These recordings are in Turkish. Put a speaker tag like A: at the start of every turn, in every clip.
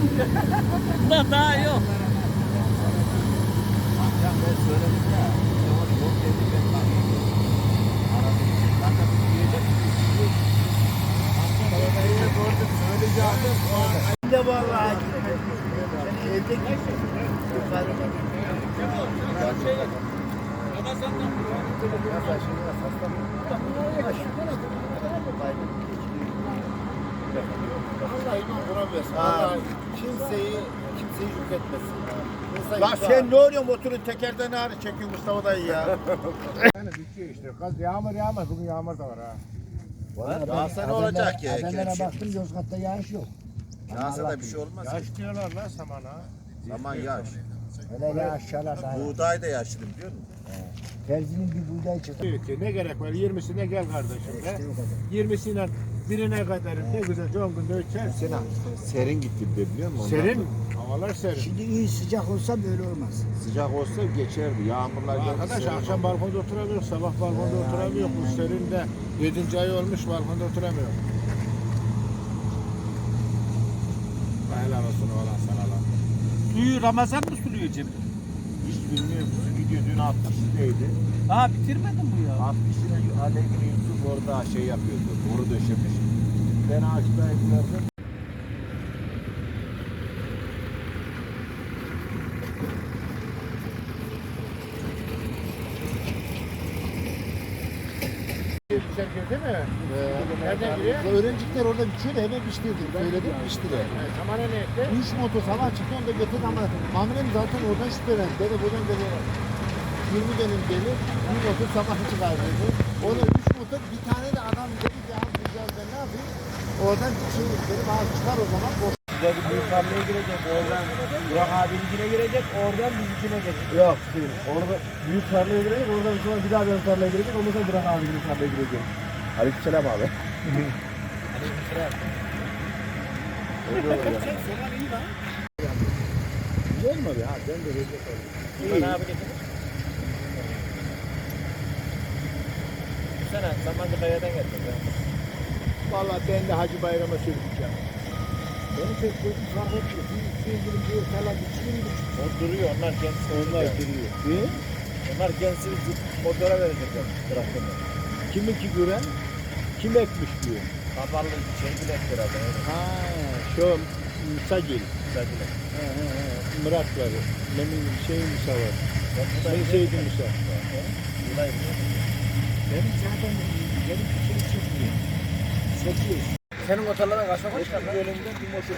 A: Da daha yok.
B: Akşam ben söyledim ya. Yok dedi ben bakayım. Aradım. Ben de diyecek. Akşam gördüm söyleyeceğim.
C: De vallahi gitmedim. Sen evde gittin. Yukarıda.
B: Vallahi iman kuramıyorsun. Vallahi kimseyi yük etmesin.
C: Lan sen ne oluyorsun motorun tekerden ağrı çekiyor Mustafa dayı ya.
D: Yani bitiyor işte. Kaz yağmur yağmaz. Bugün yağmur da var ha.
C: Yağsa ne olacak ki?
D: Haberlere baktım Yozgat'ta yağış yok.
C: Yağsa da bir şey olmaz.
D: Yaş diyorlar lan samana.
C: Aman yağış.
D: Hele yağışçalar da.
C: Buğday da yaşlı biliyor musun?
D: Terzinin bir buğday çıktı.
E: Ne gerek var? 20'sine gel kardeşim be. 20'sine birine kadar ne güzel son günde ölçersin.
B: Serin gitti bir de biliyor musun?
E: Serin. Havalar serin.
D: Şimdi iyi sıcak olsa böyle olmaz.
B: Sıcak olsa geçerdi. Yağmurlar geldi.
E: Arkadaş
B: serin
E: akşam
B: oldu.
E: balkonda oturamıyor, sabah balkonda oturamıyor. Bu serinde 7. ay olmuş balkonda oturamıyor. Helal olsun oğlan sana lan.
A: Suyu Ramazan mı suluyor Cemil?
B: Hiç bilmiyorum. Su gidiyor. Dün 60'daydı.
A: Aa bitirmedin bu ya.
B: 60'ına Alevgin Yusuf orada şey yapıyordu. Boru döşemiş. Ben ağaçtayım gördüm.
E: Güzel girdi mi? Nereden giriyor?
D: Öğrenciler orada biçiyor da hemen biçtirdim. Söyledim biçtiler.
E: Samana ne etti?
D: 3 motor sabah çıktı onu da getirdi ama amirim zaten oradan şüphelendi. Dedi buradan dedi 20 dönüm gelir. Bir motor sabah çıkar dedi. Ona 3 motor bir tane de adam dedi ki abi güzel ben ne yapayım? Oradan şey dedim abi çıkar o zaman.
B: Burada bir büyük tarlaya girecek. Oradan Burak abininkine girecek. Oradan bizimkine gelecek.
D: Yok değil. Orada büyük tarlaya girecek. Oradan sonra bir daha benim tarlaya girecek. Ondan sonra Burak abinin tarlaya girecek. Aleykümselam abi. Öyle olur ya. Güzel mi abi? Ha ben de recep oldum.
E: Ben abi getirdim. Sana Samanlı Kaya'dan getirdim.
D: Vallahi ben de Hacı Bayram'a söyleyeceğim. Benim pek gözüm fark etmiyor. Sevgilim diyor falan biçilir mi?
E: O duruyor, onlar kendisi.
D: Onlar duruyor. Ne?
E: Onlar kendisini motora verecekler. Bıraktığında.
D: Kiminki gören? Kim ekmiş diyor.
E: Kapalı şey bile ettir abi.
D: Ha, şu Musagil.
E: Güzeldiler.
D: Muratları. Benim şey Musa var. Ben Seydi Musa. Benim zaten benim şey çıkmıyor. 8.
E: Senin motorlara kaç kaç çıkar lan?
D: Bölümde bir motor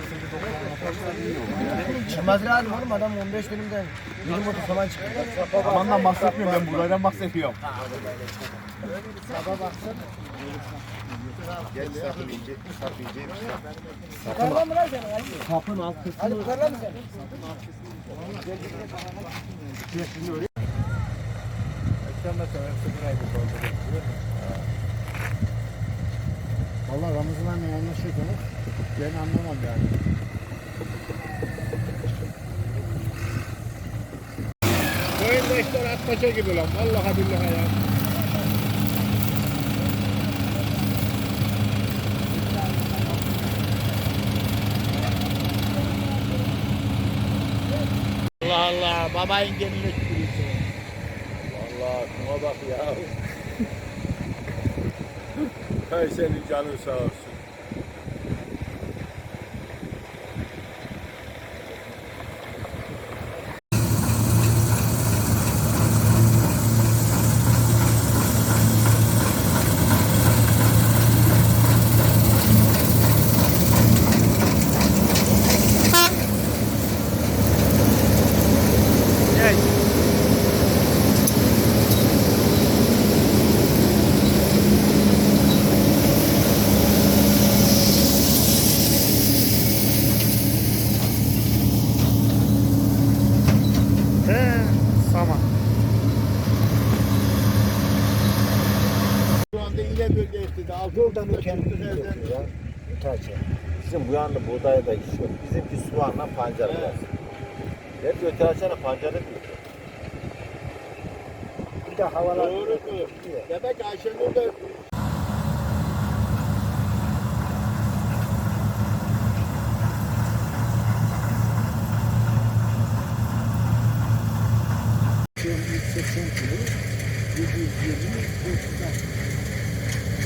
C: Çıkmaz lazım oğlum adam 15 dönümden 20 motor falan çıkıyor.
D: Amandan bahsetmiyorum ben buradan bahsediyorum.
E: Sabah baksana.
B: Geç sakın yiyecek mi? Sakın yiyecek mi?
E: Yukarıdan mı lan sen?
D: Kapın alt kısmı.
E: Hadi yukarıdan mı sen? Akşam da seversin burayı bir dolduruyor.
D: Valla Ramazan'la anlaşırken ben anlamam yani.
E: Köyünde işler atmaca gibi lan. Vallahi billahi ya. Allah Allah. Babayın geline tükürüyorsun.
B: Vallahi şuna bak ya.
E: Hay senin canın sağ olsun.
D: Şu anda ile bölge istedi. Yoldan kendi ya.
B: Taçı. Bizim bu yanda buğday da iş yok. Bizimki soğanla pancar biraz. Hep öte açana pancarı diyor.
D: Bir de havalar.
E: Doğru. Demek Ayşenur da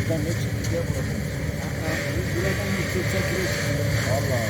C: Buradan ne çıktı diye buradan. Buradan 180 kilo çıktı.
B: Allah.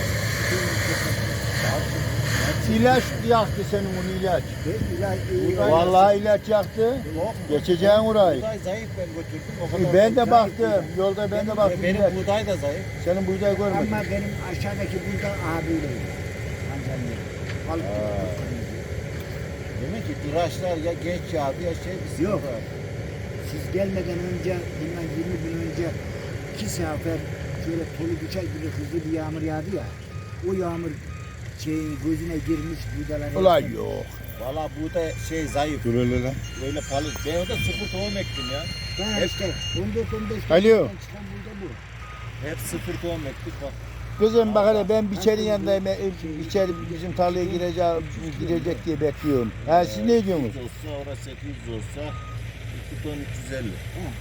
D: İlaç yaktı senin onu ilaç.
C: İlaç.
D: Vallahi ilaç yaktı. Geçeceğin orayı.
B: Buğday zayıf ben götürdüm. O kadar.
D: Ben de baktım. Yolda ben de baktım.
B: Benim
D: ilaç.
B: buğday da zayıf.
D: Senin buğday görmedim.
C: Ama benim aşağıdaki burada abiyle. Tanzanya. Balık
B: Demek ki tıraşlar ya geç yağdı ya şey bir
C: Yok.
B: sıkıntı var.
C: Siz gelmeden önce, bundan 20 gün önce 2 sefer şöyle tolu bıçak gibi hızlı bir yağmur yağdı ya. O yağmur şeyin gözüne girmiş buğdalar.
D: Ulan yok.
B: Valla buğday şey zayıf.
D: Dur öyle lan.
B: Öyle palı. Ben orada sıfır tohum ektim ya.
C: Ben işte 14-15
D: Alo.
C: çıkan burada bu.
B: Hep sıfır tohum ektik bak.
D: Kızım bak hele ben biçerin yanındayım. Biçeri bizim tarlaya girecek diye bekliyorum. Ha siz ne diyorsunuz?
B: 800 olsa orası 800 olsa 2 ton 350.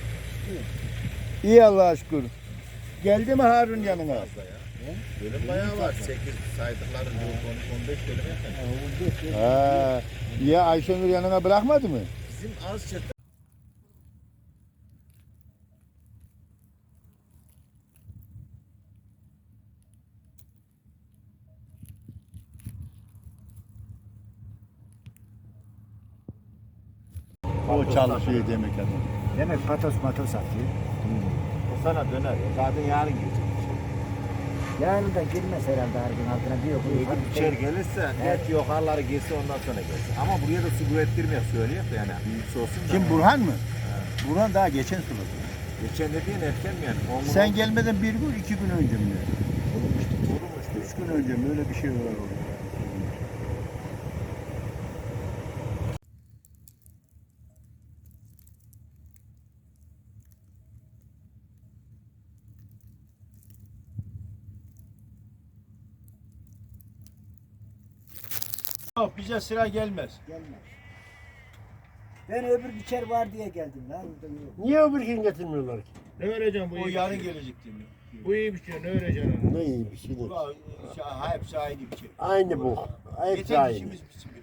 D: İyi Allah'a şükür. Geldi mi Harun yanına?
B: Fazla ya. Bölüm bayağı var. 8 saydıkları 15 bölüm yakın.
D: Ha. Ya Ayşenur yanına bırakmadı mı?
B: Bizim az çatı.
D: O çalışıyor demek adam.
C: Demek patos satıyor.
B: O sana döner. O zaten yarın gelecek.
C: Yarın da girmez herhalde her gün altına bir yok.
B: İçer gelirse net yukarıları girse ondan sonra gelsin. Ama buraya da su ürettirmeyek söyleyeyim de yani. Büyük olsun da.
D: Kim Burhan mı? Burhan daha geçen suladı.
B: Geçen dediğin erken mi yani? 10 gün
D: Sen
B: oldu.
D: gelmeden bir gün 2 gün önce mi?
B: Kurumuştu.
D: 3 gün önce mi? Öyle bir şey var orada. Yok bize sıra gelmez.
C: Gelmez. Ben öbür biçer var diye geldim lan.
E: Niye öbür gün getirmiyorlar ki? Ne vereceğim bu
D: O
E: iyi
D: yarın
E: bir şey?
D: gelecek diyor.
E: Bu iyi bir şey, ne vereceksin ona?
F: Ne iyi bir şey değil.
D: Ulan hepsi aynı bir şey.
F: Aynı bu. Hepsi
D: Yeter
F: aynı.
D: işimiz bitsin.